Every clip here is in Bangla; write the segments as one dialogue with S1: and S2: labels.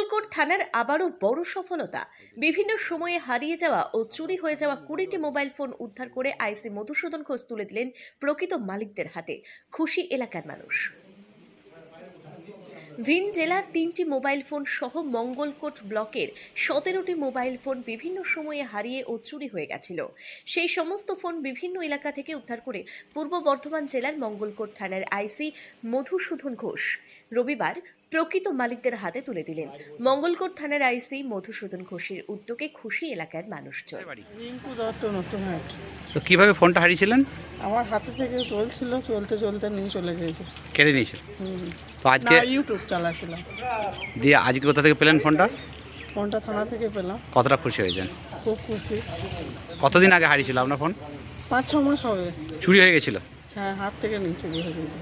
S1: মঙ্গলকোট থানার আবারও বড় সফলতা। বিভিন্ন সময়ে হারিয়ে যাওয়া ও চুরি হয়ে যাওয়া 20টি মোবাইল ফোন উদ্ধার করে আইসি মধুসূদন ঘোষ তুলে দিলেন প্রকৃত মালিকদের হাতে। খুশি এলাকার মানুষ। ভিন জেলার 3টি মোবাইল ফোন সহ মঙ্গলকোট ব্লকের 17টি মোবাইল ফোন বিভিন্ন সময়ে হারিয়ে ও চুরি হয়ে গেছিল। সেই সমস্ত ফোন বিভিন্ন এলাকা থেকে উদ্ধার করে পূর্ব বর্ধমান জেলার মঙ্গলকোট থানার আইসি মধুসূদন ঘোষ রবিবার প্রকৃত মালিকদের হাতে তুলে দিলেন। মঙ্গলকোট থানার আইসি মধুসূদন ঘোষের উদ্যোগে খুশি এলাকার মানুষজন।
S2: তো কিভাবে ফোনটা হারিয়েছিলেন?
S3: আমার হাতে থেকে চলছিল, চলতে চলতে নিয়ে চলে গেছে।
S2: কেড়ে নিয়েছিল? তো আজকে
S3: ইউটিউব চালাছিলাম।
S2: দিয়ে আজকে কোথা থেকে পেলেন ফোনটা?
S3: ফোনটা থানা থেকে পেলাম।
S2: কতটা খুশি হয়েছেন?
S3: খুব খুশি।
S2: কতদিন আগে হারিয়েছিল আপনার ফোন?
S3: 5-6 মাস হবে।
S2: চুরি হয়ে গেছিল?
S3: হ্যাঁ, হাত থেকে নিয়ে চুরি হয়ে গেছে।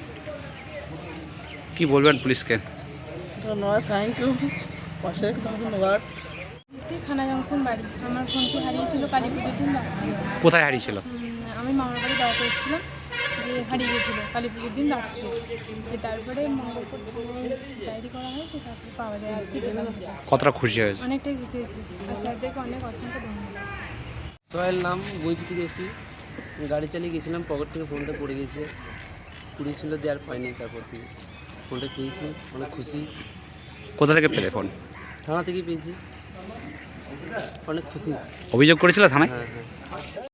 S2: কি বলবেন পুলিশকে?
S3: ধন্যবাদ, থ্যাংক ইউ, অশেষ ধন্যবাদ।
S4: খানা জংশন বাড়ি। আমার ফোনটি হারিয়েছিল কালী পুজোর দিন রাত্রে।
S2: কোথায় হারিয়েছিল?
S4: আমি মামার বাড়ি বেড়াতে এসেছিলাম, দিয়ে হারিয়ে গেছিলো কালী পুজোর দিন রাত্রে। তারপরে মঙ্গলকোট ডায়েরি করা হয়, তো তারপরে পাওয়া যায়। আজকে পেলাম।
S2: কতটা খুশি হয়েছে?
S4: অনেকটাই খুশি হয়েছি, আর স্যারদেরকে অনেক অসংখ্য ধন্যবাদ।
S5: সোহেল নাম, বইটি থেকে এসেছি। গাড়ি চালিয়ে গেছিলাম, পকেট থেকে ফোনটা পড়ে গেছে। পুড়িয়েছিল, দেওয়ার পাইনি। তারপর থেকে ফোনটা পেয়েছি, অনেক খুশি।
S2: কোথা থেকে পেলে ফোন?
S5: থানা থেকে পেয়েছি, অনেক খুশি।
S2: অভিযোগ করেছিল থানায়?
S5: হ্যাঁ।